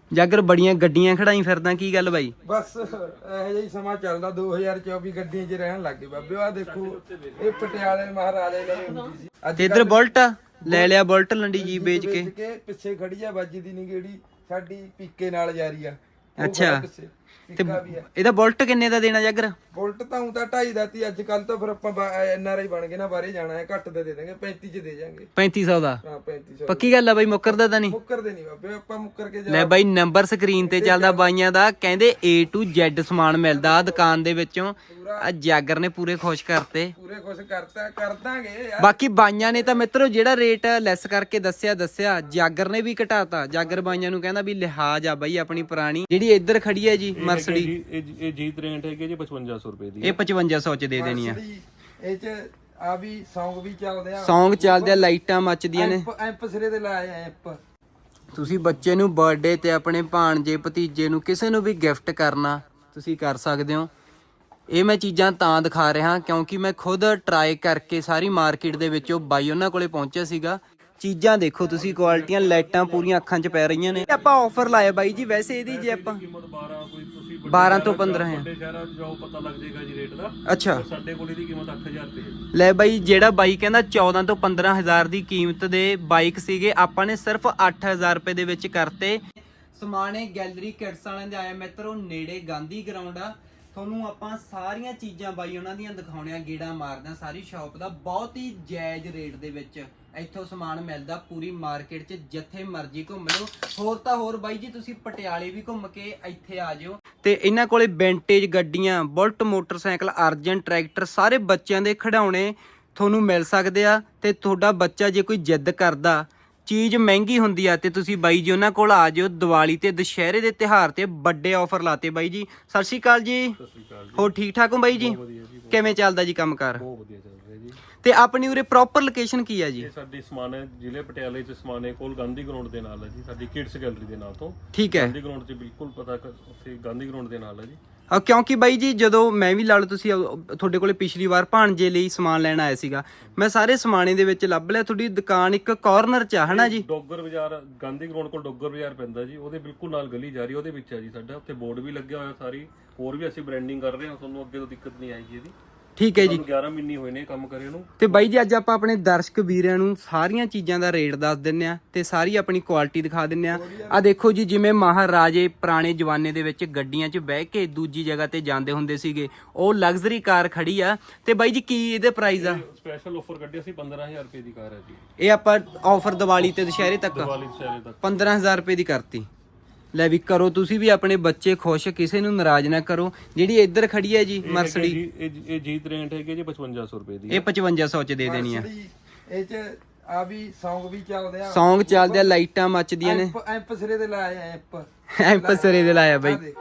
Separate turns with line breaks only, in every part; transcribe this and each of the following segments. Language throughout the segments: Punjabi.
ਜਾਗਰ ਬੜੀਆਂ ਗੱਡੀਆਂ ਖੜਾਈ ਫਿਰਦਾ, ਕੀ ਗੱਲ ਬਾਈ?
ਬਸ ਇਹੋ ਜਿਹਾ ਹੀ ਸਮਾਂ ਚੱਲਦਾ। 2024 ਗੱਡੀਆਂ 'ਚ ਰਹਿਣ ਲੱਗੇ ਬਾਬੇ। ਆਹ ਦੇਖੋ, ਇਹ ਪਟਿਆਲੇ ਮਹਾਰਾਜੇ ਲਈ ਹੁੰਦੀ ਸੀ।
ਤੇ ਇੱਧਰ ਬੁਲਟ ਲੈ ਲਿਆ, ਬੁਲਟ ਲੰਡੀ ਜੀ ਵੇਚ ਕੇ
ਪਿੱਛੇ ਖੜੀ ਆ, ਵੱਜਦੀ ਨਹੀਂ ਗੇੜੀ ਸਾਡੀ, ਪੀਕੇ ਨਾਲ ਜਾਰੀ ਆ।
ਅੱਛਾ, ਤੇ ਇਹਦਾ ਬੁਲਟ ਕਿੰਨੇ ਦਾ ਦੇਣਾ ਜਾਗਰ?
ਬੁਲਟ ਤਾਂ ਤਾਂ 2.5 ਦਾ ਤੀ। ਅੱਜ ਕੱਲ ਤਾਂ ਫਿਰ ਆਪਾਂ NRI ਬਣ ਗਏ ਨਾ, ਬਾਹਰੇ ਜਾਣਾ ਹੈ, ਘੱਟ ਦੇ ਦਾਂਗੇ, 35 ਚ ਦੇ ਜਾਾਂਗੇ।
3500 ਦਾ?
ਹਾਂ 3500।
ਪੱਕੀ ਗੱਲ ਆ ਬਾਈ, ਮੁੱਕਰਦਾ ਤਾਂ ਨਹੀਂ?
ਮੁੱਕਰਦੇ ਨਹੀਂ ਬਾਬੇ, ਆਪਾਂ ਮੁੱਕਰ ਕੇ
ਲੈ ਬਾਈ, ਨੰਬਰ ਸਕਰੀਨ ਤੇ ਚੱਲਦਾ ਬਾਈਆਂ ਦਾ, ਕਹਿੰਦੇ A to Z ਸਮਾਨ ਮਿਲਦਾ ਆ ਦੁਕਾਨ ਦੇ ਵਿੱਚੋਂ। ਆ ਜਾਗਰ ਨੇ ਪੂਰੇ ਖੁਸ਼ ਕਰਤੇ,
ਪੂਰੇ ਖੁਸ਼ ਕਰਤਾ, ਕਰ ਦਾਂਗੇ ਯਾਰ।
ਬਾਕੀ ਬਾਈਆਂ ਨੇ ਤਾਂ ਮਿੱਤਰੋ ਜਿਹੜਾ ਰੇਟ ਲੈਸ ਕਰਕੇ ਦੱਸਿਆ, ਜਾਗਰ ਨੇ ਵੀ ਘਟਾਤਾ। ਜਾਗਰ ਬਾਈਆਂ ਨੂੰ ਕਹਿੰਦਾ ਵੀ ਲਿਹਾਜ਼ ਆ ਬਾਈ ਆਪਣੀ ਪੁਰਾਣੀ। ਜਿਹੜੀ ਇੱਧਰ ਖੜੀ ਹੈ ਜੀ ਮਰਸਡੀ,
ਇਹ G63 ਹੈਗੀ ਜੀ 5500 ਰੁਪਏ ਦੀ।
ਇਹ 5500 ਚ ਦੇ ਦੇਣੀ ਆ।
ਇਹ ਚ ਆ ਵੀ ਸੌਂਗ ਵੀ ਚੱਲਦੇ ਆ,
ਸੌਂਗ ਚੱਲਦੇ ਆ, ਲਾਈਟਾਂ ਮੱਚਦੀਆਂ ਨੇ।
ਐਂਪ ਸਿਰੇ ਦੇ ਲਾਏ ਆ ਐਂਪ।
ਤੁਸੀਂ ਬੱਚੇ ਨੂੰ ਬਰਥਡੇ ਤੇ ਆਪਣੇ ਭਾਣਜੇ ਭਤੀਜੇ ਨੂੰ ਕਿਸੇ ਨੂੰ ਵੀ ਗਿਫਟ ਕਰਨਾ ਤੁਸੀਂ ਕਰ ਸਕਦੇ ਹੋ। ਇਹ ਮੈਂ ਚੀਜ਼ਾਂ ਤਾਂ ਦਿਖਾ ਰਿਹਾ ਕਿਉਂਕਿ ਮੈਂ ਖੁਦ ਟਰਾਈ ਕਰਕੇ ਸਾਰੀ ਮਾਰਕੀਟ ਦੇ ਵਿੱਚੋਂ ਬਾਈ ਉਹਨਾਂ ਕੋਲੇ ਪਹੁੰਚਿਆ ਸੀਗਾ। ਚੀਜ਼ਾਂ ਦੇਖੋ ਤੁਸੀਂ, ਕੁਆਲਿਟੀਆਂ, ਲਾਈਟਾਂ ਪੂਰੀਆਂ ਅੱਖਾਂ 'ਚ ਪੈ ਰਹੀਆਂ ਨੇ। ਆਪਾਂ ਆਫਰ ਲਾਇਆ ਬਾਈ ਜੀ, ਵੈਸੇ ਇਹਦੀ ਜੇ ਆਪਾਂ
ਕੀਮਤ 12, ਕੋਈ ਤੁਸੀਂ
12 ਤੋਂ 15 ਹੈ।
ਵੱਡੇ ਸ਼ਹਿਰਾਂ 'ਚ ਜਾਓ ਪਤਾ ਲੱਗ ਜਾਏਗਾ ਜੀ ਰੇਟ ਦਾ।
ਅੱਛਾ,
ਸਾਡੇ ਕੋਲ ਇਹਦੀ ਕੀਮਤ 8000 ਰੁਪਏ ਹੈ।
ਲੈ ਬਾਈ, ਜਿਹੜਾ ਬਾਈ ਕਹਿੰਦਾ 14 ਤੋਂ 15000 ਦੀ ਕੀਮਤ ਦੇ ਬਾਈਕ ਸੀਗੇ, ਆਪਾਂ ਨੇ ਸਿਰਫ 8000 ਰੁਪਏ ਦੇ ਵਿੱਚ ਕਰਤੇ। ਸਮਾਣੇ ਗੈਲਰੀ ਕਿਡਸ ਵਾਲਿਆਂ ਦੇ ਆਇਆ ਮਿੱਤਰੋ, ਨੇੜੇ ਗਾਂਧੀ ਗਰਾਊਂਡ ਆ। ਤੁਹਾਨੂੰ ਆਪਾਂ ਸਾਰੀਆਂ ਚੀਜ਼ਾਂ ਬਾਈ ਉਹਨਾਂ ਦੀਆਂ ਦਿਖਾਉਣੀਆਂ, ਗੇੜਾ ਮਾਰਦਾ ਸਾਰੀ ਸ਼ਾਪ ਦਾ। ਬਹੁਤ ਹੀ ਜਾਇਜ਼ ਰੇਟ ਦੇ ਵਿੱਚ ਇੱਥੋਂ ਸਮਾਨ ਮਿਲਦਾ ਪੂਰੀ ਮਾਰਕੀਟ 'ਚ, ਜਿੱਥੇ ਮਰਜ਼ੀ ਘੁੰਮ ਲਓ। ਹੋਰ ਤਾਂ ਹੋਰ ਬਾਈ ਜੀ, ਤੁਸੀਂ ਪਟਿਆਲੇ ਵੀ ਘੁੰਮ ਕੇ ਇੱਥੇ ਆ ਜਿਓ। ਤੇ ਇਹਨਾਂ ਕੋਲੇ ਵਿੰਟੇਜ ਗੱਡੀਆਂ, ਬੁਲਟ ਮੋਟਰਸਾਈਕਲ, ਅਰਜਨ ਟਰੈਕਟਰ, ਸਾਰੇ ਬੱਚਿਆਂ ਦੇ ਖਿਡੌਣੇ ਤੁਹਾਨੂੰ ਮਿਲ ਸਕਦੇ ਆ। ਤੇ ਤੁਹਾਡਾ ਬੱਚਾ ਜੇ ਕੋਈ ਜਿੱਦ ਕਰਦਾ, ਚੀਜ਼ ਮਹਿੰਗੀ ਹੁੰਦੀ ਆ, ਤੇ ਤੁਸੀਂ ਬਾਈ ਜੀ ਉਹਨਾਂ ਕੋਲ ਆ ਜਿਓ। ਦੀਵਾਲੀ ਤੇ ਦੁਸ਼ਹਿਰੇ ਦੇ ਤਿਉਹਾਰ ਤੇ ਵੱਡੇ ਆਫਰ ਲਾਤੇ ਬਾਈ ਜੀ। ਸਤਿ ਸ਼੍ਰੀ ਅਕਾਲ ਜੀ।
ਸਤਿ ਸ਼੍ਰੀ ਅਕਾਲ ਜੀ।
ਹੋਰ ਠੀਕ ਠਾਕ ਹੋ ਬਾਈ ਜੀ?
ਵਧੀਆ ਜੀ,
ਕਿਵੇਂ ਚੱਲਦਾ ਜੀ ਕੰਮਕਾਰ?
ਬਹੁਤ ਵਧੀਆ ਚੱਲ ਰਿਹਾ ਜੀ।
ਤੇ ਆਪਣੀ ਉਰੇ ਪ੍ਰੋਪਰ ਲੋਕੇਸ਼ਨ ਕੀ ਹੈ ਜੀ?
ਇਹ ਸਾਡੀ ਸਮਾਣੇ ਜ਼ਿਲ੍ਹੇ ਪਟਿਆਲੇ 'ਚ ਸਮਾਣੇ ਕੋਲ ਗਾਂਧੀ ਗਰਾਊਂਡ ਦੇ ਨਾਲ ਹੈ ਜੀ, ਸਾਡੀ ਕਿਡਸ ਗੈਲਰੀ ਦੇ ਨਾਲ ਤੋਂ।
ਠੀਕ ਹੈ,
ਗਾਂਧੀ ਗਰਾਊਂਡ 'ਚ ਬਿਲਕੁਲ ਪਤਾ ਉੱਥੇ ਗਾਂਧੀ ਗਰਾਊਂਡ ਦੇ ਨਾਲ ਹੈ ਜੀ।
ਕਿਉਂਕਿ ਬਾਈ ਜੀ ਜਦੋਂ ਮੈਂ ਵੀ ਲਾ ਲਓ, ਤੁਸੀਂ ਤੁਹਾਡੇ ਕੋਲੇ ਪਿਛਲੀ ਵਾਰ ਭਾਣਜੇ ਲਈ ਸਮਾਨ ਲੈਣ ਆਇਆ ਸੀਗਾ, ਮੈਂ ਸਾਰੇ ਸਮਾਨੇ ਦੇ ਵਿੱਚ ਲੱਭ ਲਿਆ। ਤੁਹਾਡੀ ਦੁਕਾਨ ਇੱਕ ਕਾਰਨਰ 'ਚ ਆ, ਹਨਾ ਜੀ?
ਡੋਗਰ ਬਾਜ਼ਾਰ, ਗਾਂਧੀ ਗਰਾਊਂਡ ਕੋਲ ਡੋਗਰ ਬਾਜ਼ਾਰ ਪੈਂਦਾ ਜੀ, ਉਹਦੇ ਬਿਲਕੁਲ ਨਾਲ ਗਲੀ ਜਾ ਰਹੀ, ਉਹਦੇ ਵਿੱਚ ਹੈ ਜੀ ਸਾਡਾ। ਉੱਥੇ ਬੋਰਡ ਵੀ ਲੱਗਿਆ ਹੋਇਆ ਸਾਰੀ, ਹੋਰ ਵੀ ਅਸੀਂ ਬ੍ਰਾਂਡਿੰਗ ਕਰ ਰਹੇ ਹਾਂ, ਤੁਹਾਨੂੰ ਅੱਗੇ ਤੋਂ ਦਿੱਕਤ ਨਹੀਂ ਆਏਗੀ ਇਹਦੀ।
ਠੀਕ ਹੈ ਜੀ।
11 ਮਹੀਨੇ ਹੋਏ ਨੇ ਕੰਮ ਕਰੇ ਨੂੰ।
ਤੇ ਬਾਈ ਜੀ ਅੱਜ ਆਪਾਂ ਆਪਣੇ ਦਰਸ਼ਕ ਵੀਰਾਂ ਨੂੰ ਸਾਰੀਆਂ ਚੀਜ਼ਾਂ ਦਾ ਰੇਟ ਦੱਸ ਦਿੰਨੇ ਆ ਤੇ ਸਾਰੀ ਆਪਣੀ ਕੁਆਲਿਟੀ ਦਿਖਾ ਦਿੰਨੇ ਆ। ਆ ਦੇਖੋ ਜੀ, ਜਿਵੇਂ ਮਹਾਰਾਜੇ ਪੁਰਾਣੇ ਜ਼ਮਾਨੇ ਦੇ ਵਿੱਚ ਗੱਡੀਆਂ 'ਚ ਬਹਿ ਕੇ ਦੂਜੀ ਜਗ੍ਹਾ ਤੇ ਜਾਂਦੇ ਹੁੰਦੇ ਸੀਗੇ, ਉਹ ਲਗਜ਼ਰੀ ਕਾਰ ਖੜੀ ਆ। ਤੇ ਬਾਈ ਜੀ ਕੀ ਇਹਦੇ ਪ੍ਰਾਈਸ ਆ?
ਸਪੈਸ਼ਲ ਆਫਰ ਕੱਢਿਆ ਸੀ, 15000 ਰੁਪਏ ਦੀ ਕਾਰ ਹੈ ਜੀ
ਇਹ ਆਪਾਂ ਆਫਰ ਦੀਵਾਲੀ ਤੇ ਦੁਸ਼ਹਿਰੇ ਤੱਕ
ਦੀਵਾਲੀ ਦੁਸ਼ਹਿਰੇ ਤੱਕ
15000 ਰੁਪਏ ਦੀ ਕਰਤੀ। ਲੈ ਵੀ ਕਰੋ ਤੁਸੀਂ ਵੀ ਆਪਣੇ ਬੱਚੇ ਖੁਸ਼, ਕਿਸੇ ਨੂੰ ਨਾਰਾਜ਼ ਨਾ ਕਰੋ। ਜਿਹੜੀ ਇੱਧਰ ਖੜੀ ਹੈ ਜੀ ਮਰਸਡੀ,
ਇਹ G63 ਹੈਗੀ ਜੀ 5500 ਰੁਪਏ ਦੀ।
ਇਹ 5500 ਚ ਦੇ ਦੇਣੀ ਆ।
ਇਹ ਚ ਆ ਵੀ ਸੌਂਗ ਵੀ ਚੱਲਦੇ ਆ,
ਸੌਂਗ ਚੱਲਦੇ ਆ, ਲਾਈਟਾਂ ਮੱਚਦੀਆਂ ਨੇ।
ਐਂਪ ਸਿਰੇ ਦੇ ਲਾਏ ਆ ਐਂਪ।
ਐਂਪ ਸਿਰੇ ਦੇ ਲਾਇਆ ਬਾਈ।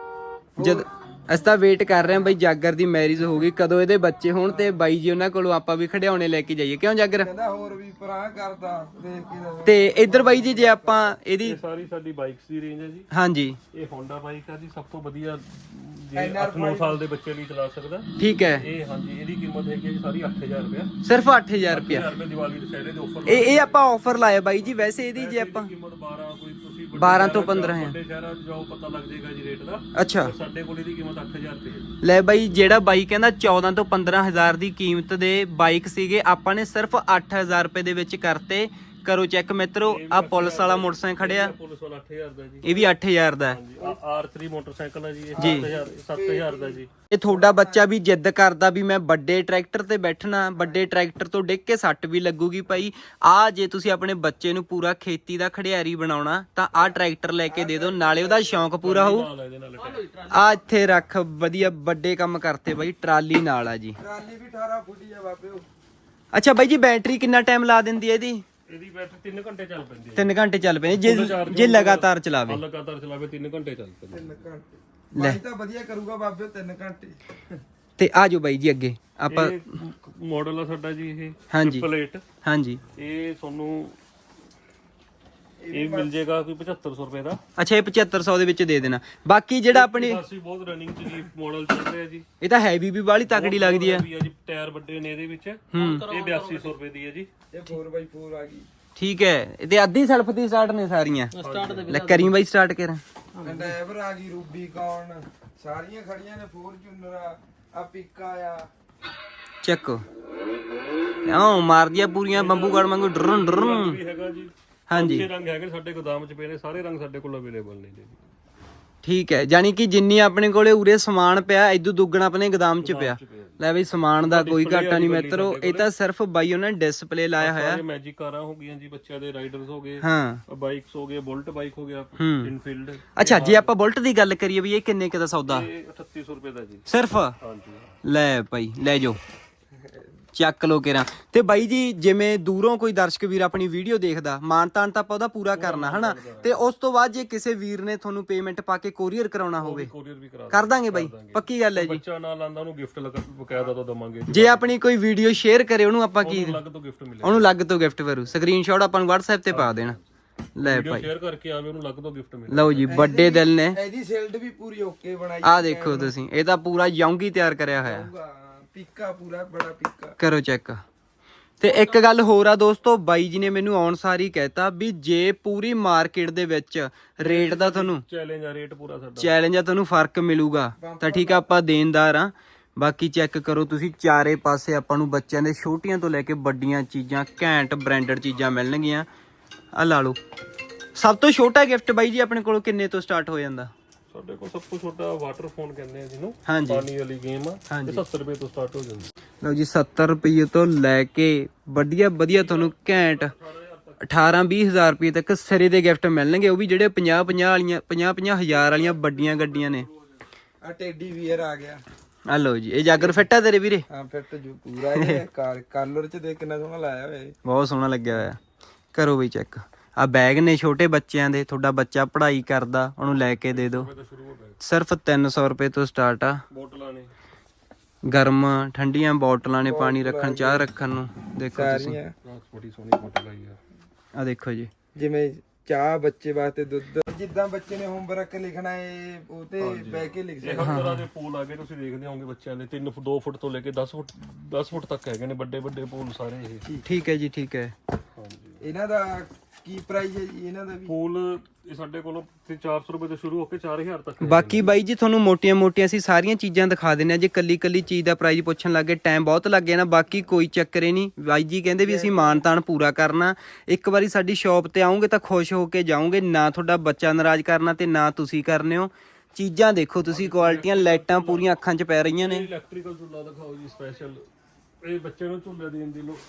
ਜਦ ਅਸੀਂ ਤਾਂ ਵੇਟ ਕਰ ਰਹੇ ਹਾਂ ਬਾਈ, ਜਾਗਰ ਦੀ ਮੈਰਿਜ ਹੋ ਗਈ, ਕਦੋਂ ਇਹਦੇ ਬੱਚੇ ਹੋਣ ਤੇ ਬਾਈ ਜੀ ਉਹਨਾਂ ਕੋਲੋਂ ਆਪਾਂ ਵੀ ਖਿਡੌਣੇ ਲੈ ਕੇ ਜਾਈਏ। ਕਿਉਂ ਜਾਗਰ?
ਕਹਿੰਦਾ ਹੋਰ ਵੀ ਪਰਾਂ ਕਰਦਾ ਦੇਖ ਕੇ।
ਤੇ ਇੱਧਰ ਬਾਈ ਜੀ ਜੇ ਆਪਾਂ ਇਹਦੀ,
ਇਹ ਸਾਰੀ ਸਾਡੀ ਬਾਈਕਸ ਦੀ ਰੇਂਜ ਹੈ ਜੀ।
ਹਾਂਜੀ,
ਇਹ ਹੋਂਡਾ ਬਾਈਕ ਆ ਜੀ, ਸਭ ਤੋਂ ਵਧੀਆ, ਜੇ 8-9 ਸਾਲ ਦੇ ਬੱਚੇ ਲਈ ਚਲਾ ਸਕਦਾ।
ਠੀਕ ਹੈ।
ਇਹ ਹਾਂਜੀ, ਇਹਦੀ ਕੀਮਤ ਹੈਗੀ ਜੀ ਸਾਰੀ 8000 ਰੁਪਏ।
ਸਿਰਫ 8000 ਰੁਪਏ।
ਦੀਵਾਲੀ ਦੁਸ਼ਹਿਰੇ ਦੇ ਆਫਰ।
ਇਹ ਆਪਾਂ ਆਫਰ ਲਾਇਆ ਬਾਈ ਜੀ। ਵੈਸੇ ਇਹਦੀ ਜੇ ਆਪਾਂ
ਕੀਮਤ 12, ਕੋਈ ਤੁਸੀਂ
12 ਤੋਂ 15 ਹੈ।
ਵੱਡੇ ਸ਼ਹਿਰਾਂ 'ਚ ਜਾਓ ਪਤਾ ਲੱਗ ਜਾਏਗਾ ਜੀ ਰੇਟ ਦਾ।
ਅੱਛਾ,
ਸਾਡੇ ਕੋਲ ਇਹਦੀ ਕੀਮਤ 8000 ਰੁਪਏ ਹੈ।
ਲੈ ਬਾਈ, ਜਿਹੜਾ ਬਾਈ ਕਹਿੰਦਾ 14 ਤੋਂ 15000 ਦੀ ਕੀਮਤ ਦੇ ਬਾਈਕ ਸੀਗੇ, ਆਪਾਂ ਨੇ ਸਿਰਫ 8000 ਰੁਪਏ ਦੇ ਵਿੱਚ ਕਰਤੇ। ਕਰੋ ਚੈੱਕ ਮਿੱਤਰੋ। ਆ ਪੁਲਿਸ ਵਾਲਾ ਮੋਟਰਸਾਈਕਲ ਖੜਿਆ,
ਪੁਲਿਸ ਵਾਲਾ 8000 ਦਾ ਜੀ।
ਇਹ ਵੀ 8000 ਦਾ ਹੈ।
R3 ਮੋਟਰਸਾਈਕਲ ਹੈ ਜੀ, ਇਹ 7000 ਦਾ ਜੀ।
ਇਹ ਤੁਹਾਡਾ ਬੱਚਾ ਵੀ ਜਿੱਦ ਕਰਦਾ ਵੀ ਮੈਂ ਵੱਡੇ ਟਰੈਕਟਰ ਤੇ ਬੈਠਣਾ, ਵੱਡੇ ਟਰੈਕਟਰ ਤੋਂ ਡਿੱਗ ਕੇ ਸੱਟ ਵੀ ਲੱਗੂਗੀ ਭਾਈ, ਆ ਜੇ ਤੁਸੀਂ ਆਪਣੇ ਬੱਚੇ ਨੂੰ ਪੂਰਾ ਖੇਤੀ ਦਾ ਖੜਿਆਰੀ ਬਣਾਉਣਾ ਤਾਂ ਆ ਟਰੈਕਟਰ ਲੈ ਕੇ ਦੇ ਦਿਓ, ਨਾਲੇ ਉਹਦਾ ਸ਼ੌਂਕ ਪੂਰਾ ਹੋਊ। ਆ ਇੱਥੇ ਰੱਖ, ਵਧੀਆ ਵੱਡੇ ਕੰਮ ਕਰਤੇ ਬਾਈ। ਟਰਾਲੀ ਨਾਲ ਆ ਜੀ,
ਟਰਾਲੀ ਵੀ 18 ਫੁੱਟੀ ਆ ਬਾਬੇ।
ਅੱਛਾ ਬਾਈ ਜੀ, ਬੈਟਰੀ ਕਿੰਨਾ ਟਾਈਮ ਲਾ ਦਿੰਦੀ ਹੈ ਇਹਦੀ?
ਇਹਦੀ ਬੈਟਰੀ 3 ਘੰਟੇ ਚੱਲ ਪੈਂਦੀ ਹੈ।
3 ਘੰਟੇ ਚੱਲ ਪੈਂਦੀ ਜੇ ਲਗਾਤਾਰ ਚਲਾਵੇ।
ਲਗਾਤਾਰ ਚਲਾਵੇ 3 ਘੰਟੇ ਚੱਲ ਪੈਂਦੀ।
3 ਘੰਟੇ ਬਾਈ ਤਾਂ ਵਧੀਆ ਕਰੂਗਾ ਬਾਬੇ, 3 ਘੰਟੇ।
ਤੇ ਆ ਜਾਓ ਬਾਈ ਜੀ ਅੱਗੇ ਆਪਾਂ।
ਮਾਡਲ ਆ ਸਾਡਾ ਜੀ ਇਹ,
ਹਾਂਜੀ
ਪਲੇਟ।
ਹਾਂਜੀ,
ਇਹ ਤੁਹਾਨੂੰ ਇਹ ਮਿਲ ਜਾਏਗਾ ਕੋਈ 7500 ਰੁਪਏ ਦਾ।
ਅੱਛਾ, ਇਹ 7500 ਦੇ ਵਿੱਚ ਦੇ ਦੇਣਾ। ਬਾਕੀ ਜਿਹੜਾ ਆਪਣੀ
ਅਸੀਂ ਬਹੁਤ ਰਨਿੰਗ ਚ ਜੀ ਮਾਡਲ ਚੱਲ ਰਿਹਾ ਜੀ।
ਇਹ ਤਾਂ ਹੈਵੀ ਵੀ ਬਾਹਲੀ ਤਕੜੀ ਲੱਗਦੀ ਹੈ
ਜੀ। ਟਾਇਰ ਵੱਡੇ ਨੇ ਇਹਦੇ ਵਿੱਚ। ਇਹ 8200 ਰੁਪਏ ਦੀ ਹੈ ਜੀ।
ਇਹ 4x4 ਆ ਗਈ।
ਠੀਕ ਹੈ, ਤੇ ਅੱਧੀ ਸੈਲਫ ਦੀ ਸਟਾਰਟ ਨੇ ਸਾਰੀਆਂ। ਲੈ ਕਰੀ ਬਾਈ ਸਟਾਰਟ ਕਰ।
ਡਰਾਈਵਰ ਆ ਗਈ, ਰੂਬੀ ਕੌਣ, ਸਾਰੀਆਂ ਖੜੀਆਂ ਨੇ, ਫੋਰਚੂਨਰ ਆ ਪਿੱਕਾ ਆ।
ਚੱਕੋ ਆਹ ਮਾਰਦੀਆਂ ਪੂਰੀਆਂ ਬੰਬੂਗੜ ਵਾਂਗੂ ਡਰਨ ਡਰਨ।
ਵੀ ਹੈਗਾ ਜੀ।
ਹਾਂਜੀ
ਛੇ ਰੰਗ ਹੈਗੇ ਸਾਡੇ ਗੋਦਾਮ 'ਚ ਪਏ ਨੇ, ਸਾਰੇ ਰੰਗ ਸਾਡੇ ਕੋਲ ਅਵੇਲੇਬਲ ਨੇ ਜੀ।
ਠੀਕ ਹੈ, ਯਾਨੀ ਕਿ ਜਿੰਨੀ ਆਪਣੇ ਕੋਲੇ ਉਰੇ ਸਮਾਨ ਪਿਆ ਇਦੋਂ ਦੁੱਗਣਾ ਆਪਣੇ ਗੋਦਾਮ 'ਚ ਪਿਆ। ਲੈ ਬਈ ਸਮਾਨ ਦਾ ਕੋਈ ਘਾਟਾ ਨਹੀਂ ਮਿੱਤਰੋ, ਇਹ ਤਾਂ ਸਿਰਫ ਬਾਈ ਉਹਨਾਂ ਨੇ ਡਿਸਪਲੇ ਲਾਇਆ ਹੋਇਆ।
ਮੈਜਿਕ ਕਾਰਾਂ ਹੋ ਗਈਆਂ ਜੀ, ਬੱਚਿਆਂ ਦੇ ਰਾਈਡਰਸ ਹੋ ਗਏ,
ਹਾਂ
ਬਾਈਕਸ ਹੋ ਗਏ, ਬੁਲਟ ਬਾਈਕ ਹੋ ਗਿਆ, ਇਨਫੀਲਡ।
ਅੱਛਾ ਜੇ ਆਪਾਂ ਬੁਲਟ ਦੀ ਗੱਲ ਕਰੀਏ ਵੀ ਇਹ ਕਿੰਨੇ ਕੁ ਦਾ ਸੌਦਾ?
ਇਹ 3800 ਰੁਪਏ ਦਾ ਜੀ
ਸਿਰਫ।
ਹਾਂਜੀ
ਲੈ ਭਾਈ ਲੈ ਜਾਓ, ਚੱਕ ਲੋ ਕੇਰਾ। ਤੇ ਬਾਈ ਜੀ ਜਿਵੇਂ ਦੂਰੋਂ ਕੋਈ ਦਰਸ਼ਕ ਵੀਰ ਆਪਣੀ ਵੀਡੀਓ ਦੇਖਦਾ, ਮਾਨ ਤਾਨ ਤਾਂ ਆਪਾਂ ਉਹਦਾ ਪੂਰਾ ਕਰਨਾ ਹਨਾ, ਤੇ ਉਸ ਤੋਂ ਬਾਅਦ ਜੇ ਕਿਸੇ ਵੀਰ ਨੇ ਤੁਹਾਨੂੰ ਪੇਮੈਂਟ ਪਾ ਕੇ ਕੋਰੀਅਰ ਕਰਾਉਣਾ ਹੋਵੇ
ਕੋਰੀਅਰ ਵੀ ਕਰਾ
ਕਰ ਦਾਂਗੇ ਬਾਈ, ਪੱਕੀ ਗੱਲ ਹੈ ਜੀ।
ਬੱਚਾ ਨਾਲ ਆਂਦਾ ਉਹਨੂੰ ਗਿਫਟ ਬਕਾਇਦਾ ਤਾਂ ਦਵਾਂਗੇ ਜੀ।
ਜੇ ਆਪਣੀ ਕੋਈ ਵੀਡੀਓ ਸ਼ੇਅਰ ਕਰੇ ਉਹਨੂੰ ਆਪਾਂ ਕੀ
ਅਲੱਗ ਤੋਂ ਗਿਫਟ ਮਿਲੇਗਾ,
ਉਹਨੂੰ ਅਲੱਗ ਤੋਂ ਗਿਫਟ ਕਰੂ, ਸਕਰੀਨਸ਼ਾਟ ਆਪਾਂ ਨੂੰ WhatsApp ਤੇ ਪਾ ਦੇਣਾ। ਲੈ ਭਾਈ
ਸ਼ੇਅਰ ਕਰਕੇ ਆਵੇ ਉਹਨੂੰ ਅਲੱਗ ਤੋਂ ਗਿਫਟ ਮਿਲੇਗਾ।
ਲਓ ਜੀ ਵੱਡੇ ਦਿਲ ਨੇ।
ਇਹਦੀ ਸਿਲਡ ਵੀ ਪੂਰੀ ਓਕੇ ਬਣਾਈ।
ਆਹ ਦੇਖੋ ਤੁਸੀਂ, ਇਹ ਤਾਂ ਪੂਰਾ ਯੌਂਗੀ ਤਿਆਰ ਕਰਿਆ ਹੋਇਆ।
ਪਿੱਕਾ ਪੂਰਾ ਬੜਾ ਪਿੱਕਾ।
ਕਰੋ ਚੈੱਕ। ਤੇ ਇੱਕ ਗੱਲ ਹੋਰ ਆ ਦੋਸਤੋ, ਬਾਈ ਜੀ ਨੇ ਮੈਨੂੰ ਆਉਣ ਸਾਰ ਹੀ ਕਹਿਤਾ ਵੀ ਜੇ ਪੂਰੀ ਮਾਰਕੀਟ ਦੇ ਵਿੱਚ ਰੇਟ ਦਾ ਤੁਹਾਨੂੰ
ਚੈਲੰਜ ਆ, ਰੇਟ ਪੂਰਾ ਸਾਡਾ
ਚੈਲੰਜ ਆ, ਤੁਹਾਨੂੰ ਫਰਕ ਮਿਲੂਗਾ ਤਾਂ ਠੀਕ ਆ, ਆਪਾਂ ਦੇਣਦਾਰ ਆ। ਬਾਕੀ ਚੈੱਕ ਕਰੋ ਤੁਸੀਂ, ਚਾਰੇ ਪਾਸੇ ਆਪਾਂ ਨੂੰ ਬੱਚਿਆਂ ਦੇ ਛੋਟੀਆਂ ਤੋਂ ਲੈ ਕੇ ਵੱਡੀਆਂ ਚੀਜ਼ਾਂ, ਘੈਂਟ ਬ੍ਰਾਂਡਡ ਚੀਜ਼ਾਂ ਮਿਲਣਗੀਆਂ। ਆ ਲਾ ਲਓ। ਸਭ ਤੋਂ ਛੋਟਾ ਗਿਫਟ ਬਾਈ ਜੀ ਆਪਣੇ ਕੋਲ ਕਿੰਨੇ ਤੋਂ ਸਟਾਰਟ ਹੋ ਜਾਂਦਾ?
ਸਾਡੇ ਕੋਲ ਸਭ ਤੋਂ ਛੋਟਾ ਵਾਟਰ ਫੋਨ ਕਹਿੰਦੇ ਆ ਜਿਹਨੂੰ,
ਹਾਂਜੀ
ਪਾਣੀ ਵਾਲੀ ਗੇਮ ਆ, ਇਹ 70 ਰੁਪਏ ਤੋਂ ਸਟਾਰਟ ਹੋ ਜਾਂਦੀ।
ਲਓ ਜੀ 70 ਰੁਪਏ ਤੋਂ ਲੈ ਕੇ ਵਧੀਆ ਵਧੀਆ ਤੁਹਾਨੂੰ ਘੈਂਟ 18-20 ਹਜ਼ਾਰ ਰੁਪਏ ਤੱਕ ਸਿਰੇ ਦੇ ਗਿਫਟ ਮਿਲਣਗੇ, ਉਹ ਵੀ ਜਿਹੜੇ 50-50 ਵਾਲੀਆਂ 50-50 ਹਜ਼ਾਰ ਵਾਲੀਆਂ ਵੱਡੀਆਂ ਗੱਡੀਆਂ ਨੇ।
ਆ ਟੈਡੀ ਵੀਅਰ ਆ ਗਿਆ।
ਆ ਲਓ ਜੀ, ਇਹ ਜਾਗਰ ਫਿੱਟ ਆ ਤੇਰੇ ਵੀਰੇ?
ਹਾਂ ਫਿੱਟ ਜੋ ਪੂਰਾ ਇਹ ਕਾਲਰ ਚ ਦੇਖ ਕਿੰਨਾ ਸੋਹਣਾ ਲਾਇਆ ਹੋਇਆ।
ਬਹੁਤ ਸੋਹਣਾ ਲੱਗਿਆ ਹੋਇਆ। ਕਰੋ ਬਈ ਚੈੱਕ। ਆ ਬੈਗ ਨੇ ਛੋਟੇ ਬੱਚਿਆਂ ਦੇ, ਤੁਹਾਡਾ ਬੱਚਾ ਪੜ੍ਹਾਈ ਕਰਦਾ ਉਹਨੂੰ ਲੈ ਕੇ ਦੇ ਦਿਓ। ਸਿਰਫ 300 ਰੁਪਏ ਤੋਂ ਸਟਾਰਟ ਆ।
ਬੋਟਲਾਂ ਨੇ
ਗਰਮ ਠੰਡੀਆਂ ਬੋਟਲਾਂ ਨੇ, ਪਾਣੀ ਰੱਖਣ, ਚਾਹ ਰੱਖਣ ਨੂੰ। ਦੇਖੋ ਤੁਸੀਂ,
ਸਾਰੀਆਂ
ਬੜੀ ਸੋਹਣੀ ਬੋਟਲ ਆਈ ਆ।
ਆ ਦੇਖੋ ਜੀ,
ਜਿਵੇਂ ਚਾਹ ਬੱਚੇ ਵਾਸਤੇ, ਦੁੱਧ, ਜਿੱਦਾਂ ਬੱਚੇ ਨੇ ਹੋਮਵਰਕ ਲਿਖਣਾ ਹੈ ਉਹ ਤੇ ਬਹਿ ਕੇ ਲਿਖ
ਇਹ ਹਰ ਤਰ੍ਹਾਂ ਦੇ ਪੂਲ ਆ ਗਏ, ਤੁਸੀਂ ਦੇਖਦੇ ਹੋਵੋਗੇ ਬੱਚਿਆਂ ਦੇ 2 ਫੁੱਟ ਤੋਂ ਲੈ ਕੇ 10 ਫੁੱਟ ਤੱਕ ਹੈਗੇ ਨੇ, ਵੱਡੇ ਵੱਡੇ ਪੂਲ ਸਾਰੇ ਇਹ।
ਠੀਕ ਹੈ ਜੀ, ਠੀਕ ਹੈ।
ਹਾਂਜੀ
ਇਹਨਾਂ ਦਾ ਕੀ ਪ੍ਰਾਈਸ ਹੈ ਜੀ ਇਹਨਾਂ ਦਾ ਵੀ?
ਪੂਲ ਇਹ ਸਾਡੇ ਕੋਲੋਂ 400 ਰੁਪਏ ਤੋਂ ਸ਼ੁਰੂ ਹੋ ਕੇ 4000 ਤੱਕ ਹੈ।
ਬਾਕੀ ਬਾਈ ਜੀ ਤੁਹਾਨੂੰ ਮੋਟੀਆਂ-ਮੋਟੀਆਂ ਅਸੀਂ ਸਾਰੀਆਂ ਚੀਜ਼ਾਂ ਦਿਖਾ ਦਿੰਨੇ ਆ। ਜੇ ਕੱਲੀ ਚੀਜ਼ ਦਾ ਪ੍ਰਾਈਸ ਪੁੱਛਣ ਲੱਗੇ ਟਾਈਮ ਬਹੁਤ ਲੱਗ ਗਿਆ ਨਾ, ਬਾਕੀ ਕੋਈ ਚੱਕਰ ਹੀ ਨਹੀਂ। ਬਾਈ ਜੀ ਕਹਿੰਦੇ ਵੀ ਅਸੀਂ ਮਾਨ-ਤਾਨ ਪੂਰਾ ਕਰਨਾ। ਇੱਕ ਵਾਰੀ ਸਾਡੀ ਸ਼ਾਪ ਤੇ ਆਉਂਗੇ ਤਾਂ ਖੁਸ਼ ਹੋ ਕੇ ਜਾਓਗੇ, ਨਾ ਤੁਹਾਡਾ ਬੱਚਾ ਨਾਰਾਜ਼ ਕਰਨਾ ਤੇ ਨਾ ਤੁਸੀਂ ਕਰਨੇ ਹੋ। ਚੀਜ਼ਾਂ ਦੇਖੋ ਤੁਸੀਂ, ਕੁਆਲਿਟੀਆਂ, ਲਾਈਟਾਂ ਪੂਰੀਆਂ ਅੱਖਾਂ 'ਚ ਪੈ ਰਹੀਆਂ ਨੇ।
ਇਲੈਕਟ੍ਰੀਕਲ ਝੂਲਾ ਦਿਖਾਓ ਜੀ ਸਪੈਸ਼ਲ, ਇਹ ਬੱਚੇ ਨੂੰ ਝੂਲੇ ਦੇਣ ਦੀ ਲੋ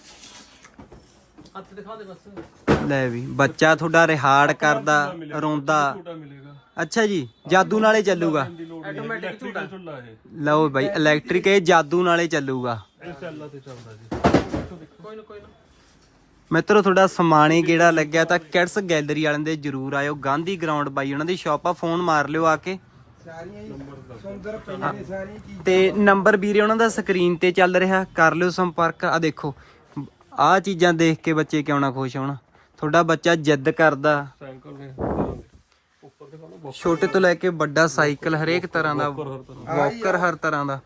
ਹੱਥ ਦਿਖਾ ਦੇ ਬਸ।
ਲੈ ਵੀ ਬੱਚਾ ਤੁਹਾਡਾ ਰਿਹਾੜ ਕਰਦਾ, ਰੋਂਦਾ।
ਝੂਟਾ ਮਿਲੇਗਾ।
ਅੱਛਾ ਜੀ, ਜਾਦੂ ਨਾਲੇ ਚੱਲੂਗਾ।
ਆਟੋਮੈਟਿਕ ਝੂਲਾ ਇਹ।
ਲਓ ਬਾਈ ਇਲੈਕਟ੍ਰਿਕ, ਇਹ ਜਾਦੂ ਨਾਲੇ ਚੱਲੂਗਾ।
ਇਹ ਚੱਲਦਾ ਤੇ ਚੱਲਦਾ ਜੀ। ਕੋਈ ਨਾ
ਮਿੱਤਰੋ ਤੁਹਾਡਾ ਸਮਾਣੇ ਕਿਹੜਾ ਲੱਗਿਆ ਤਾਂ ਕਿਡਸ ਗੈਲਰੀ ਵਾਲਿਆਂ ਦੇ ਜਰੂਰ ਆਇਓ। ਗਾਂਧੀ ਗਰਾਊਂਡ ਬਾਈ ਉਹਨਾਂ ਦੀ ਸ਼ਾਪ ਆ, ਫੋਨ ਮਾਰ ਲਿਓ ਆ ਕੇ।
ਸਾਰੀਆਂ ਹੀ ਸੁੰਦਰ ਪਈਆਂ ਨੇ ਸਾਰੀਆਂ ਚੀਜ਼ਾਂ।
ਤੇ ਨੰਬਰ ਵੀਰੇ ਉਹਨਾਂ ਦਾ ਸਕਰੀਨ ਤੇ ਚੱਲ ਰਿਹਾ, ਕਰ ਲਿਓ ਸੰਪਰਕ। ਆ ਦੇਖੋ, ਆਹ ਚੀਜ਼ਾਂ ਦੇਖ ਕੇ ਬੱਚੇ ਕਿਉਂ ਨਾ ਖੁਸ਼ ਹੋਣ। ਤੁਹਾਡਾ ਬੱਚਾ ਜਿੱਦ ਕਰਦਾ,
ਸਾਈਕਲ ਨੇ ਉੱਪਰ ਦਿਖਾਓ,
ਛੋਟੇ ਤੋਂ ਲੈ ਕੇ ਵੱਡਾ ਸਾਈਕਲ, ਹਰੇਕ ਤਰ੍ਹਾਂ ਦਾ ਵਾਕਰ, ਹਰ ਤਰ੍ਹਾਂ ਦਾ।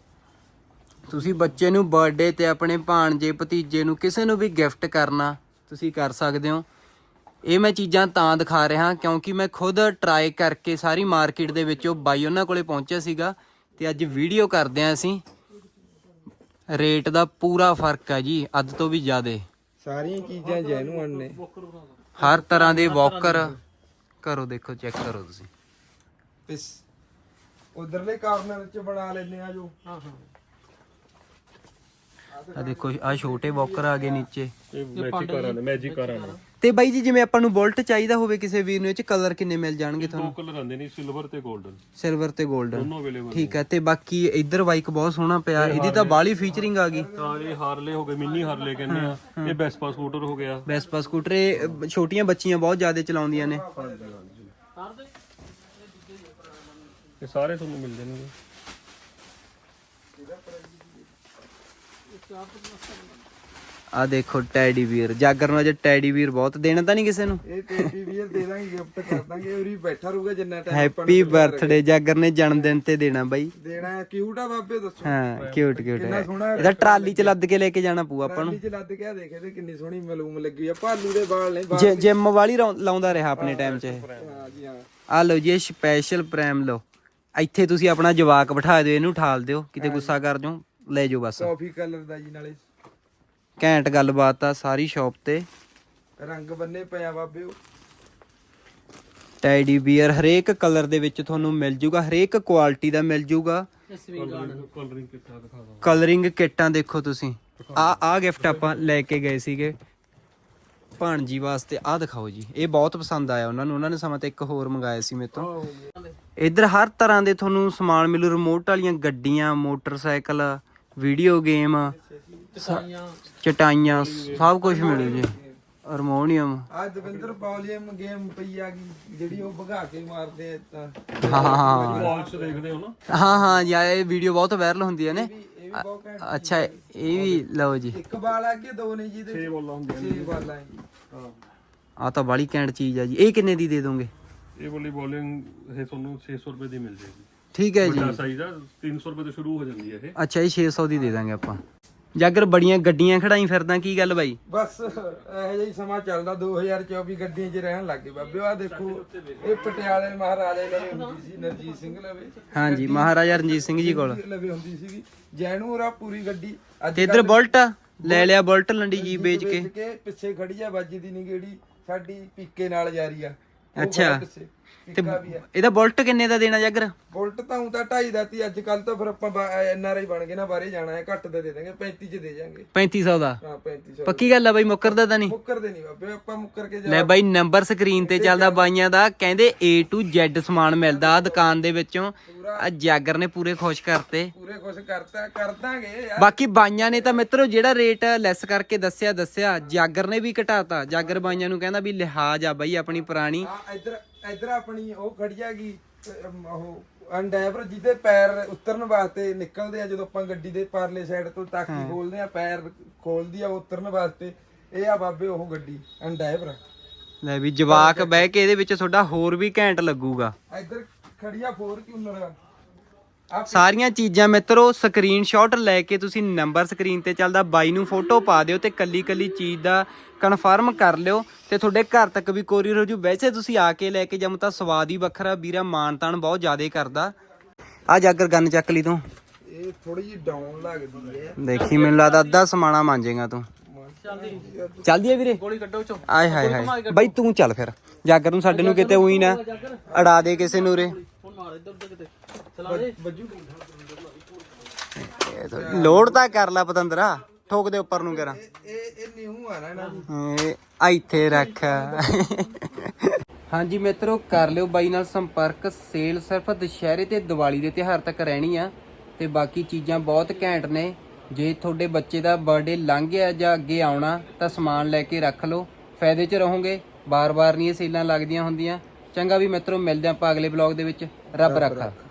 ਤੁਸੀਂ ਬੱਚੇ ਨੂੰ ਬਰਥਡੇ ਤੇ ਆਪਣੇ ਭਾਣਜੇ ਭਤੀਜੇ ਨੂੰ ਕਿਸੇ ਨੂੰ ਵੀ ਗਿਫਟ ਕਰਨਾ ਤੁਸੀਂ ਕਰ ਸਕਦੇ ਹੋ। ਇਹ ਮੈਂ ਚੀਜ਼ਾਂ ਤਾਂ ਦਿਖਾ ਰਿਹਾ ਕਿਉਂਕਿ ਮੈਂ ਖੁਦ ਟਰਾਈ ਕਰਕੇ ਸਾਰੀ ਮਾਰਕੀਟ ਦੇ ਵਿੱਚੋਂ ਬਾਈ ਉਹਨਾਂ ਕੋਲੇ ਪਹੁੰਚਿਆ ਸੀਗਾ ਤੇ ਅੱਜ ਵੀਡੀਓ ਕਰਦੇ ਆਂ ਅਸੀਂ। ਰੇਟ ਦਾ ਪੂਰਾ ਫਰਕ ਹੈ ਜੀ, ਅੱਧ ਤੋਂ ਵੀ ਜ਼ਿਆਦਾ।
ਸਾਰੀਆਂ ਚੀਜ਼ਾਂ ਜੈਨੂਅਨ ਨੇ,
ਹਰ ਤਰ੍ਹਾਂ ਦੇ ਵਾਕਰ। ਕਰੋ ਦੇਖੋ, ਚੈੱਕ ਕਰੋ ਤੁਸੀਂ।
ਇਸ ਉਧਰਲੇ ਕਾਰਨਰ ਚ ਬਣਾ ਲੈਨੇ ਆ ਜੋ।
ਆ ਦੇਖੋ, ਆ ਛੋਟੇ ਵਾਕਰ ਆ ਗਏ ਨੀਚੇ।
ਇਹ ਮੈਜਿਕ ਕਾਰਾਂ ਨੇ।
ਤੇ ਬਾਈ ਜੀ ਜਿਵੇਂ ਆਪਾਂ ਨੂੰ ਬੁਲਟ ਚਾਹੀਦਾ ਹੋਵੇ ਕਿਸੇ ਵੀਰ ਨੂੰ, ਇਹ ਚ ਕਲਰ ਕਿੰਨੇ ਮਿਲ ਜਾਣਗੇ
ਦੋ
ਤੁਹਾਨੂੰ?
ਕਲਰ ਆਉਂਦੇ ਨੇ, ਸਿਲਵਰ ਤੇ 골ਡਨ,
ਸਿਲਵਰ ਤੇ 골ਡਨ।
ਦੋਨੋਂ ਅਵੇਲੇਬਲ।
ਠੀਕ ਹੈ। ਤੇ ਬਾਕੀ ਇੱਧਰ ਬਾਈਕ ਬਹੁਤ ਸੋਹਣਾ ਪਿਆ, ਇਹਦੀ ਤਾਂ ਬਾਹਲੀ ਫੀਚਰਿੰਗ ਆ ਗਈ।
ਹਾਂ ਇਹ ਹਾਰਲੇ ਹੋ ਗਏ, ਮਿੰਨੀ ਹਾਰਲੇ ਕਹਿੰਦੇ ਆ। ਇਹ ਵੈਸਪਾ ਸਕੂਟਰ ਹੋ ਗਿਆ।
ਵੈਸਪਾ ਸਕੂਟਰ, ਇਹ ਛੋਟੀਆਂ ਬੱਚੀਆਂ ਬਹੁਤ ਜ਼ਿਆਦਾ ਚਲਾਉਂਦੀਆਂ ਨੇ।
ਇਹ ਸਾਰੇ ਤੁਹਾਨੂੰ ਮਿਲ ਜਾਣਗੇ।
ਆ ਦੇਖੋ ਟੈਡੀ ਵੀਰ, ਜਾਗਰ ਨੂੰ ਅਜੇ ਟੈਡੀ ਵੀਰ ਬਹੁਤ ਦੇਣਾ ਤਾਂ ਨਹੀਂ ਕਿਸੇ ਨੂੰ।
ਇਹ ਟੇਡੀ ਵੀਰ ਦੇ ਦਾਂਗੇ, ਗਿਫਟ ਕਰ ਦਾਂਗੇ, ਉਰੀ ਬੈਠਾ ਰਹੂਗਾ ਜਿੰਨਾ ਟਾਈਮ
ਹੈਪੀ ਬਰਥਡੇ ਜਾਗਰ ਨੇ ਜਨਮ ਦਿਨ ਤੇ ਦੇਣਾ ਬਾਈ।
ਦੇਣਾ। ਕਿਊਟ ਆ ਬਾਬੇ, ਦੱਸੋ।
ਹਾਂ ਕਿਊਟ ਕਿਊਟ
ਕਿੰਨਾ
ਹੈ।
ਸੋਹਣਾ
ਇਹਦਾ ਟਰਾਲੀ ਚ ਲੱਦ ਕੇ ਲੈ ਕੇ ਜਾਣਾ ਪਊ ਆਪਾਂ ਨੂੰ।
ਟਰਾਲੀ ਚ ਲੱਦ ਕੇ ਆ ਦੇਖ ਇਹਦੇ ਕਿੰਨੀ ਸੋਹਣੀ ਮਲੂਮ ਲੱਗੀ ਆ। ਭਾਲੂ ਦੇ ਵਾਲ ਨੇ,
ਜਿਮ ਵਾਲੀ ਲਾਉਂਦਾ ਰਿਹਾ ਆਪਣੇ ਟਾਈਮ 'ਚ ਇਹ।
ਹਾਂ ਜੀ ਹਾਂ।
ਆ ਲਓ ਜੀ, ਇਹ ਸਪੈਸ਼ਲ ਪ੍ਰੈਮ ਲਓ। ਇੱਥੇ ਤੁਸੀਂ ਆਪਣਾ ਜਵਾਕ ਬਿਠਾ ਦਿਓ, ਇਹਨੂੰ ਠਾਲ ਦਿਓ, ਕਿਤੇ ਗੁੱਸਾ ਕਰ ਜਾਓ ਲੈ ਜਾਓ ਬਸ।
ਕਾਫੀ ਕਲਰ ਦਾ ਜੀ, ਨਾਲੇ
ਘੈਂਟ ਗੱਲਬਾਤ ਆ ਸਾਰੀ ਸ਼ਾਪ ਤੇ।
ਰੰਗ ਬੰਨੇ ਪਿਆ ਬਾਬੇ ਉਹ।
ਟੈਡੀ ਬੀਅਰ ਹਰੇਕ ਕਲਰ ਦੇ ਵਿੱਚ ਤੁਹਾਨੂੰ ਮਿਲ ਜੂਗਾ, ਹਰੇਕ ਕੁਆਲਿਟੀ ਦਾ ਮਿਲ ਜੂਗਾ।
ਕਲਰਿੰਗ ਕਿੱਟਾ ਦਿਖਾ ਦਾਂ।
ਕਲਰਿੰਗ ਕਿੱਟਾਂ ਦੇਖੋ ਤੁਸੀਂ। ਆ ਗਿਫਟ ਆਪਾਂ ਲੈ ਕੇ ਗਏ ਸੀਗੇ ਭਾਣਜੀ ਵਾਸਤੇ। ਆ ਦਿਖਾਓ ਜੀ, ਇਹ ਬਹੁਤ ਪਸੰਦ ਆਇਆ ਉਹਨਾਂ ਨੂੰ। ਉਹਨਾਂ ਨੇ ਸਮਾਂ ਤੇ ਇੱਕ ਹੋਰ ਮੰਗਾਇਆ ਸੀ ਮੇਰੇ ਤੋਂ। ਇੱਧਰ ਹਰ ਤਰ੍ਹਾਂ ਦੇ ਤੁਹਾਨੂੰ ਸਮਾਨ ਮਿਲੂ, ਰਿਮੋਟ ਵਾਲੀਆਂ ਗੱਡੀਆਂ, ਮੋਟਰਸਾਈਕਲ, ਵੀਡੀਓ ਗੇਮ, ਚਟਾਈਆਂ, ਸਭ ਕੁਝ ਮਿਲੂ ਜੀ। ਹਾਰਮੋਨੀਅਮ।
ਆ ਦਵਿੰਦਰ ਵੋਲੀਅਮ ਗੇਮ ਪਈ ਆ ਗਈ, ਜਿਹੜੀ ਉਹ ਭਗਾ ਕੇ ਮਾਰਦੇ ਆ ਤਾਂ।
ਹਾਂ
ਵਾਚ ਦੇਖਦੇ ਹੋ ਨਾ।
ਹਾਂ ਯਾਰ, ਇਹ ਵੀਡੀਓ ਬਹੁਤ ਵਾਇਰਲ ਹੁੰਦੀਆਂ ਨੇ।
ਇਹ ਵੀ ਬਹੁਤ ਘੈਂਟ।
ਅੱਛਾ ਇਹ ਵੀ ਲਓ ਜੀ।
ਇੱਕ ਬਾਲ ਆ ਕੇ ਦੋ ਨੇ ਜੀ ਦੇ
6 ਬੋਲਾਂ ਹੁੰਦੀਆਂ
6 ਬਾਲਾਂ ਜੀ।
ਹਾਂ।
ਆ ਤਾਂ ਬਾਲੀ ਕੈਂਟ ਚੀਜ਼ ਆ ਜੀ। ਇਹ ਕਿੰਨੇ ਦੀ ਦੇ ਦੋਗੇ?
ਇਹ ਵਾਲੀ ਬੋਲਿੰਗ ਇਹ ਤੁਹਾਨੂੰ 600 ਰੁਪਏ ਦੀ ਮਿਲ ਜਾਏਗੀ।
ਠੀਕ ਹੈ ਜੀ।
ਵੱਡਾ ਸਾਈਜ਼ ਆ, 300 ਰੁਪਏ ਤੋਂ ਸ਼ੁਰੂ ਹੋ ਜਾਂਦੀ ਹੈ ਇਹ।
ਅੱਛਾ, ਇਹ 600 ਦੀ ਦੇ ਦਾਂਗੇ ਆਪਾਂ। ਜਾਗਰ ਬੜੀਆਂ ਗੱਡੀਆਂ ਖੜਾਈ ਫਿਰਦਾ, ਕੀ ਗੱਲ ਬਾਈ?
ਬਸ ਇਹੋ ਜਿਹਾ ਹੀ ਸਮਾਂ ਚੱਲਦਾ। 2024 ਗੱਡੀਆਂ 'ਚ ਰਹਿਣ ਲੱਗੇ ਬਾਬੇ। ਆ ਦੇਖੋ, ਇਹ ਪਟਿਆਲੇ ਮਹਾਰਾਜਾ ਲਵੇ ਹੁੰਦੀ ਸੀ, ਨਰਜੀਤ ਸਿੰਘ ਲਵੇ।
ਹਾਂਜੀ, ਮਹਾਰਾਜਾ ਰਣਜੀਤ ਸਿੰਘ ਜੀ ਕੋਲ
ਲਵੇ ਹੁੰਦੀ ਸੀਗੀ। ਜੈਨੂਰਾ ਪੂਰੀ ਗੱਡੀ। ਅੱਜ
ਤੇ ਇੱਧਰ ਬੁਲਟ ਲੈ ਲਿਆ, ਬੁਲਟ ਲੰਡੀ ਜੀ ਵੇਚ ਕੇ।
ਪਿੱਛੇ ਖੜੀ ਆ, ਵੱਜਦੀ ਨਹੀਂ ਗੇੜੀ ਸਾਡੀ, ਪੀਕੇ ਨਾਲ ਜਾਰੀ ਆ। ਉਹ
ਅੱਛਾ।
ਖੜਾ ਪਿੱਛੇ, ਪੀਕਾ ਵੀ ਆ।
ਇਹਦਾ ਬੁਲਟ ਕਿੰਨੇ ਦਾ ਦੇਣਾ ਜਾਗਰ?
ਬੁਲਟ ਤਾਂ ਤਾਂ 2.5 ਦਾ ਤੀ। ਅੱਜ ਕੱਲ ਤਾਂ ਫਿਰ ਆਪਾਂ NRI ਬਣ ਗਏ ਨਾ, ਬਾਹਰੇ ਜਾਣਾ ਹੈ, ਘੱਟ ਦਾ ਦੇ ਦਾਂਗੇ, 35 ਚ ਦੇ ਜਾਾਂਗੇ।
3500 ਦਾ?
ਹਾਂ 3500।
ਪੱਕੀ ਗੱਲ ਆ ਬਾਈ, ਮੁੱਕਰਦਾ ਤਾਂ ਨਹੀਂ?
ਮੁੱਕਰਦੇ ਨਹੀਂ ਬਾਬੇ ਆਪਾਂ, ਮੁੱਕਰ ਕੇ
ਲੈ ਬਾਈ, ਨੰਬਰ ਸਕਰੀਨ ਤੇ ਚੱਲਦਾ ਬਾਈਆਂ ਦਾ। ਕਹਿੰਦੇ A to Z ਸਮਾਨ ਮਿਲਦਾ ਆ ਦੁਕਾਨ ਦੇ ਵਿੱਚੋਂ। ਆ ਜਾਗਰ ਨੇ ਪੂਰੇ ਖੁਸ਼ ਕਰਤੇ।
ਪੂਰੇ ਕੁਛ ਕਰਤਾ, ਕਰ ਦਾਂਗੇ ਯਾਰ।
ਬਾਕੀ ਬਾਈਆਂ ਨੇ ਤਾਂ ਮਿੱਤਰੋ ਜਿਹੜਾ ਰੇਟ ਲੈਸ ਕਰਕੇ ਦੱਸਿਆ, ਜਾਗਰ ਨੇ ਵੀ ਘਟਾਤਾ। ਜਾਗਰ ਬਾਈਆਂ ਨੂੰ ਕਹਿੰਦਾ ਵੀ ਲਿਹਾਜ਼ ਆ ਬਾਈ ਆਪਣੀ ਪੁਰਾਣੀ।
ਆ ਇੱਧਰ ਆਪਣੀ ਉਹ ਖੜੀ ਹੈਗੀ, ਉਹ ਅੰਡੈਵਰ, ਜਿਹਦੇ ਪੈਰ ਉਤਰਨ ਵਾਸਤੇ ਨਿਕਲਦੇ ਆ ਜਦੋਂ ਆਪਾਂ ਗੱਡੀ ਦੇ ਪਰਲੇ ਸਾਈਡ ਤੋਂ ਤਾਕੀ ਖੋਲਦੇ ਆ, ਪੈਰ ਖੋਲਦੀ ਆ ਉਤਰਨ ਵਾਸਤੇ। ਇਹ ਆ ਬਾਬੇ ਉਹ ਗੱਡੀ ਅੰਡੈਵਰ।
ਲੈ ਵੀ ਜਵਾਕ ਬਹਿ ਕੇ ਇਹਦੇ ਵਿੱਚ ਤੁਹਾਡਾ ਹੋਰ ਵੀ ਘੈਂਟ ਲੱਗੂਗਾ।
ਇੱਧਰ ਖੜੀ ਆ ਫੋਰਚੂਨਰ।
ਸਾਰੀਆਂ ਚੀਜ਼ਾਂ ਮਿੱਤਰੋ ਸਕਰੀਨਸ਼ਾਟ ਲੈ ਕੇ ਤੁਸੀਂ ਨੰਬਰ ਸਕਰੀਨ ਤੇ ਚੱਲਦਾ, ਬਾਈ ਨੂੰ ਫੋਟੋ ਪਾ ਦਿਓ ਤੇ ਕੱਲੀ ਕੱਲੀ ਚੀਜ਼ ਦਾ ਕਨਫਰਮ ਕਰ ਲਿਓ ਤੇ ਤੁਹਾਡੇ ਘਰ ਤੱਕ ਵੀ ਕੋਰੀਅਰ ਹੋ ਜੂ। ਵੈਸੇ ਤੁਸੀਂ ਆ ਕੇ ਲੈ ਕੇ ਜਾਮ ਤਾਂ ਸਵਾਦ ਹੀ ਵੱਖਰਾ। ਵੀਰਾ ਮਾਨ ਤਾਨ ਬਹੁਤ ਜ਼ਿਆਦਾ ਕਰਦਾ। ਆ ਜਾਗਰ ਗੰਨ ਚੱਕ ਲਈ ਤੂੰ।
ਇਹ ਥੋੜੀ ਜਿਹੀ ਡਾਊਨ ਲੱਗਦੀ ਹੈ।
ਦੇਖੀ, ਮੈਨੂੰ ਲੱਗਦਾ ਅੱਧਾ ਸਮਾਣਾ ਮਾਂਜੇਗਾ ਤੂੰ। ਚੱਲਦੀ ਹੈ ਵੀਰੇ?
ਗੋਲੀ ਕੱਢੋ ਚੋ।
ਆਏ ਹਾਏ ਹਾਏ ਬਾਈ, ਤੂੰ ਚੱਲ ਫਿਰ। ਜਾਗਰ ਨੂੰ ਸਾਡੇ ਨੂੰ ਕਿਤੇ ਉਹੀ ਨਾ ਅੜਾ ਦੇ ਕਿਸੇ ਨੂੰ ਰੇ। ਲੋਡ ਤਾਂ ਕਰ ਲੈ ਪਤੰਦਰਾ, ਠੋਕ ਦੇ ਉੱਪਰ ਨੂੰ ਕਰਾਂ।
ਇਹ ਨਿਊ ਆ ਨਾ ਇਹਨਾਂ ਦੀ।
ਇੱਥੇ ਰੱਖ। ਹਾਂਜੀ ਮਿੱਤਰੋ, ਕਰ ਲਿਓ ਬਾਈ ਨਾਲ ਸੰਪਰਕ। ਸੇਲ ਸਿਰਫ ਦੁਸ਼ਹਿਰੇ ਤੇ ਦੀਵਾਲੀ ਦੇ ਤਿਉਹਾਰ ਤੱਕ ਰਹਿਣੀ ਆ ਤੇ ਬਾਕੀ ਚੀਜ਼ਾਂ ਬਹੁਤ ਘੈਂਟ ਨੇ। ਜੇ ਤੁਹਾਡੇ ਬੱਚੇ ਦਾ ਬਰਥਡੇ ਲੰਘ ਗਿਆ ਜਾਂ ਅੱਗੇ ਆਉਣਾ ਤਾਂ ਸਮਾਨ ਲੈ ਕੇ ਰੱਖ ਲਓ, ਫਾਇਦੇ 'ਚ ਰਹੋਗੇ। ਬਾਰ-ਬਾਰ ਨਹੀਂ ਇਹ ਸੇਲਾਂ ਲੱਗਦੀਆਂ ਹੁੰਦੀਆਂ। ਚੰਗਾ ਵੀ ਮਿੱਤਰੋ, ਮਿਲਦੇ ਆਪਾਂ ਅਗਲੇ ਵਲੌਗ ਦੇ ਵਿੱਚ। ਰੱਬ ਰੱਖਾ।